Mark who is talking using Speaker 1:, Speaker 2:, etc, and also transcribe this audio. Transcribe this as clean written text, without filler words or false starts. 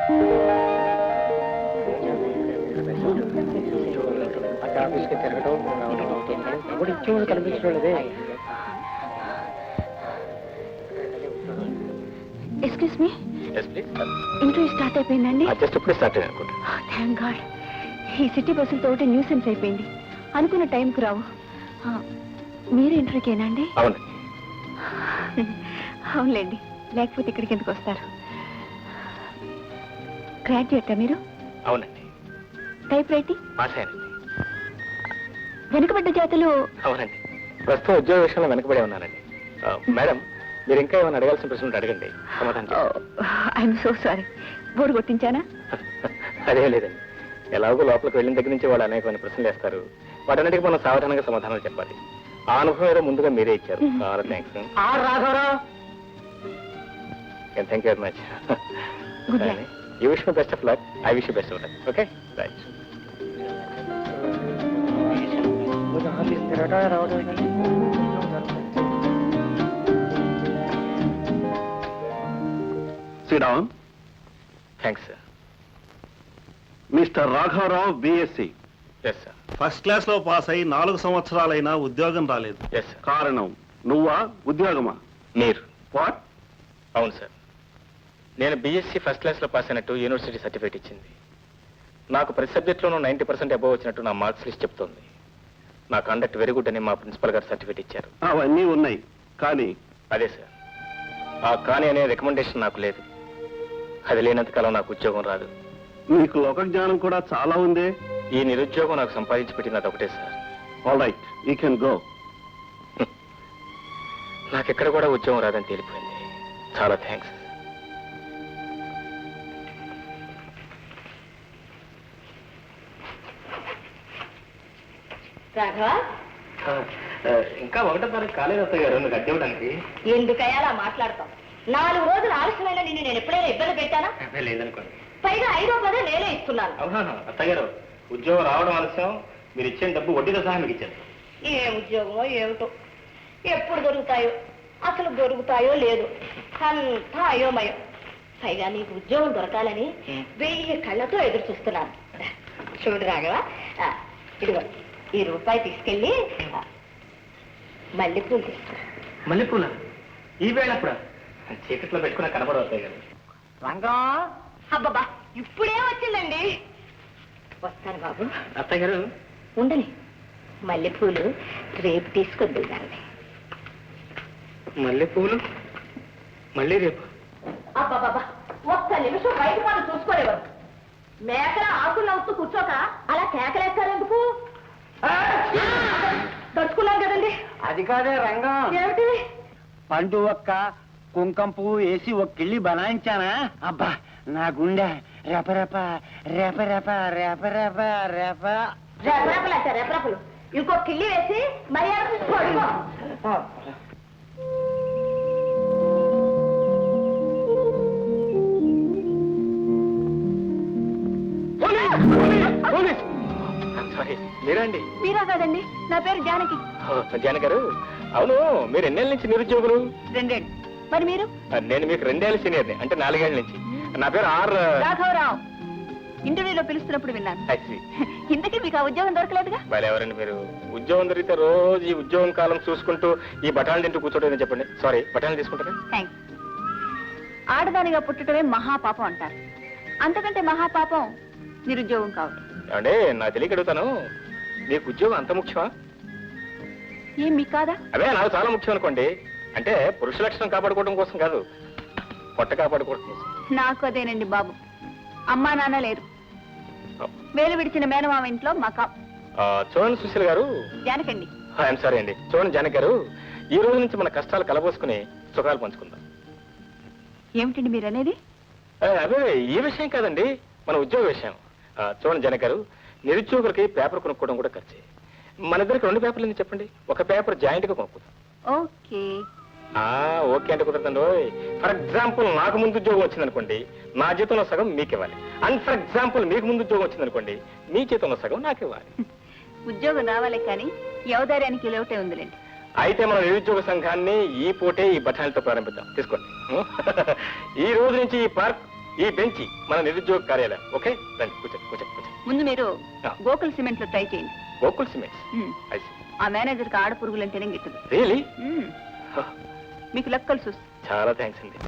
Speaker 1: ఆఫీస్కి తిరగడం ఇప్పుడు ఇచ్చేవాడు కనిపించలేదే.
Speaker 2: ఎక్స్క్యూజ్ మీ, ఇంటర్వ్యూ స్టార్ట్ అయిపోయిందండి.
Speaker 1: జస్ట్ ఇప్పుడే స్టార్ట్ అయ్యింది అనుకుంటా.
Speaker 2: Thank god. ఈ సిటీ బస్సులతో ఒకటి న్యూసెన్స్ అయిపోయింది. అనుకున్న టైంకు రావు. మీరు ఇంటర్వ్యూకేనా అండి?
Speaker 1: అవును.
Speaker 2: అవునులేండి, లేకపోతే ఇక్కడికి ఎందుకు వస్తారు? గ్రాడ్యుయేటా మీరు?
Speaker 1: అవునండి.
Speaker 2: Type writing?
Speaker 1: పాస్ అయ్యానండి.
Speaker 2: వెనుకబడ్డ జాతులు?
Speaker 1: అవునండి. ప్రస్తుతం ఉద్యోగ విషయంలో వెనకబడే ఉన్నానండి. మేడం, మీరు ఇంకా ఏమైనా అడగాల్సిన ప్రశ్నలు అడగండి, సమాధానం.
Speaker 2: I'm so sorry. బోర్డు కొట్టించానా?
Speaker 1: అదే లేదండి. ఎలాగో లోపలికి వెళ్ళిన దగ్గర నుంచి వాళ్ళు అనేకమైన ప్రశ్నలు వేస్తారు. వాటన్నిటికీ మనం సావధానంగా సమాధానాలు చెప్పాలి. ఆ అనుభవం ఏదో ముందుగా మీరే ఇచ్చారు. చాలా థ్యాంక్స్.
Speaker 3: రాఘవరావు,
Speaker 1: thank you very much.
Speaker 2: Good night.
Speaker 1: You wish my best of luck. I wish you best of luck. Okay, right.
Speaker 4: Sriram.
Speaker 1: Thanks sir.
Speaker 4: Mister రాఘవరావు, BSc.
Speaker 1: Yes sir.
Speaker 4: First class లో పాస్ అయి 4 సంవత్సరాలైనా ఉద్యోగం రాలేదు.
Speaker 1: Yes sir.
Speaker 4: కారణం నువ్వా, ఉద్యోగమా?
Speaker 1: మీరు.
Speaker 4: What?
Speaker 1: అవును సార్. నేను బీఎస్సీ ఫస్ట్ క్లాస్లో పాస్ అయినట్టు యూనివర్సిటీ సర్టిఫికేట్ ఇచ్చింది. నాకు ప్రతి సబ్జెక్ట్లోనూ 90% అబోవ్ వచ్చినట్టు నా మార్క్స్ లిస్ట్ చెప్తోంది. నా కండక్ట్ వెరీ గుడ్ అని మా ప్రిన్సిపల్ గారు సర్టిఫికేట్ ఇచ్చారు.
Speaker 4: అవన్నీ ఉన్నాయి, కానీ
Speaker 1: అదే సార్, ఆ కానీ అనే రికమెండేషన్ నాకు లేదు. అది లేనంత కాలం నాకు ఉద్యోగం రాదు.
Speaker 4: నీకు లోక జ్ఞానం కూడా చాలా ఉంది.
Speaker 1: ఈ నిరుద్యోగం నాకు సంపాదించి పెట్టినది ఒకటే sir.
Speaker 4: All right, you can go.
Speaker 1: నాకెక్కడ కూడా ఉద్యోగం రాదని తేలిపోయింది. చాలా థ్యాంక్స్.
Speaker 2: రాఘవ,
Speaker 1: ఇంకా 1వ తారీఖు కాలేదు అత్తయ్య గారు నువ్వు కట్టివ్వడానికి.
Speaker 2: ఎందుకయ్యా అలా మాట్లాడతాం? 4 రోజులు ఆలస్యమైన నిన్ను నేను ఎప్పుడైనా ఇబ్బంది పెట్టానా?
Speaker 1: లేదనుకోండి.
Speaker 2: పైగా 5వ పదే నేనే ఇస్తున్నాను.
Speaker 1: అవునా అత్తయ్య గారు, ఉద్యోగం రావడం ఆలస్యం, మీరు ఇచ్చిన డబ్బు వడ్డీతో సహా మీకు ఇచ్చారు.
Speaker 2: ఏ ఉద్యోగమో ఏమిటో, ఎప్పుడు దొరుకుతాయో, అసలు దొరుకుతాయో లేదు, అంతా అయోమయం. పైగా నీకు ఉద్యోగం దొరకాలని 1000 కళ్ళతో ఎదురు చూస్తున్నాను. చూడు రాఘవ, ఇదిగో ఈ రూపాయి తీసుకెళ్ళి మల్లెపూలు తీసుకురా.
Speaker 1: మల్లెపూల ఈ వేళ అప్పుడు చీకట్లో పెట్టుకున్న కనపడవు అత్తయ్య గారు.
Speaker 3: రంగం.
Speaker 2: అబ్బబ్బా, ఇప్పుడే వచ్చిందండి. వస్తాను బాబు.
Speaker 1: అత్తయ్య గారు
Speaker 2: ఉండని, మల్లెపూలు రేపు తీసుకొద్దు దాన్ని.
Speaker 1: మల్లెపూలు మళ్ళీ రేపు?
Speaker 2: అబ్బాబాబా, ఒక్క నిమిషం బయట వాళ్ళు చూసుకోలేవారు. మేకల ఆకులు నవ్వుతూ కూర్చోక అలా కేకలేస్తారెందుకు? తడుచుకున్నాం కదండి.
Speaker 3: అది కాదే రంగం,
Speaker 2: ఏమిటి?
Speaker 3: పండు ఒక్క కుంకం పువ్వు వేసి ఒక కిళ్ళి బనాయించానా? అబ్బా, నా గుండె రెపరెప రెపరెప రెపరెప రెప.
Speaker 2: రెపరెపలు అంటే రెపరెపలు. ఇంకో కిల్లి వేసి మర్యాద పడుకో.
Speaker 1: సారీ, మీరా అండి?
Speaker 2: మీరా కాదండి, నా పేరు జానకి.
Speaker 1: జానకి గారు, అవును మీరు ఎన్నేళ్ళ నుంచి నిరుద్యోగులు?
Speaker 2: 2 ఏళ్ళు. మరి మీరు?
Speaker 1: నేను మీకు 2 ఏళ్ళ సీనియర్ని, అంటే 4 ఏళ్ళ నుంచి. నా పేరు
Speaker 2: రాఘవరావు. ఇంటర్వ్యూలో పిలుస్తున్నప్పుడు విన్నాను. ఇంతకీ మీకు ఆ ఉద్యోగం దొరకలేదుగా?
Speaker 1: వాళ్ళు ఎవరండి మీరు? ఉద్యోగం దొరికితే రోజు ఈ ఉద్యోగం కాలం చూసుకుంటూ ఈ బఠాలు తింటూ కూర్చోటం చెప్పండి. సారీ, బఠాలు తీసుకుంటారా?
Speaker 2: థ్యాంక్స్. ఆడదానిగా పుట్టడమే మహాపాపం అంటారు. అంతకంటే మహాపాపం నిరుద్యోగం కావడం.
Speaker 1: అంటే నాకు తెలియక అడుగుతాను, మీకు ఉద్యోగం అంత ముఖ్యమా?
Speaker 2: ఏం మీకు కాదా?
Speaker 1: అదే నాకు చాలా ముఖ్యం అనుకోండి. అంటే పురుష లక్షణం కాపాడుకోవడం కోసం కాదు, పొట్ట కాపాడుకోవడం కోసం.
Speaker 2: నాకు అదేనండి బాబు. అమ్మా నాన్న లేరు, వేలు విడిచిన మేనమామ ఇంట్లో మకా.
Speaker 1: చూడండి సుశీల్ గారు.
Speaker 2: జానకండి.
Speaker 1: ఐఎమ్ సారీ అండి. చూడండి జానక్ గారు, ఈ రోజు నుంచి మన కష్టాలు కలబోసుకుని సుఖాలు పంచుకుందాం.
Speaker 2: ఏమిటండి మీరు అనేది?
Speaker 1: అదే ఈ విషయం కాదండి, మన ఉద్యోగ విషయం. చూడండి జానక్ గారు, నిరుద్యోగులకి పేపర్ కొనుక్కోవడం కూడా ఖర్చే. మన ఇద్దరికి 2 పేపర్లు ఎందుకు చెప్పండి? ఒక పేపర్ జాయింట్ గా కొనుక్కుందాం.
Speaker 2: ఓకే.
Speaker 1: ఓకే అంటే కుదరదండి. ఫర్ ఎగ్జాంపుల్ నాకు ముందు ఉద్యోగం వచ్చిందనుకోండి, నా జీతంలో సగం మీకు ఇవ్వాలి. అండ్ ఫర్ ఎగ్జాంపుల్ మీకు ముందు ఉద్యోగం వచ్చిందనుకోండి, మీ జీతంలో సగం నాకు ఇవ్వాలి.
Speaker 2: ఉద్యోగం రావాలి కానీ యవదార్యానికి లోటే ఉందిలేండి.
Speaker 1: అయితే మన నిరుద్యోగ సంఘాన్ని ఈ పూటే ఈ బఠానీలతో ప్రారంభిద్దాం. తీసుకోండి. ఈ రోజు నుంచి ఈ పార్క్ ఈ బెంచి మన నిరుద్యోగ కార్యాలయం. ఓకే, రండి కూర్చోండి కూర్చోండి కూర్చోండి.
Speaker 5: ముందు మీరు
Speaker 1: ఆ.
Speaker 5: గోకుల్ సిమెంట్ లో ట్రై చేయండి.
Speaker 1: Gokul cements.
Speaker 5: Hmm.
Speaker 1: I see.
Speaker 5: ఆ మేనేజర్ కి ఆడ పురుగులంటేనే గిట్టదు.
Speaker 1: రియలీ?
Speaker 5: మ్మ్. మీకు లక్ కలిసి వస్తుంది.
Speaker 1: చాలా థ్యాంక్స్ అండి.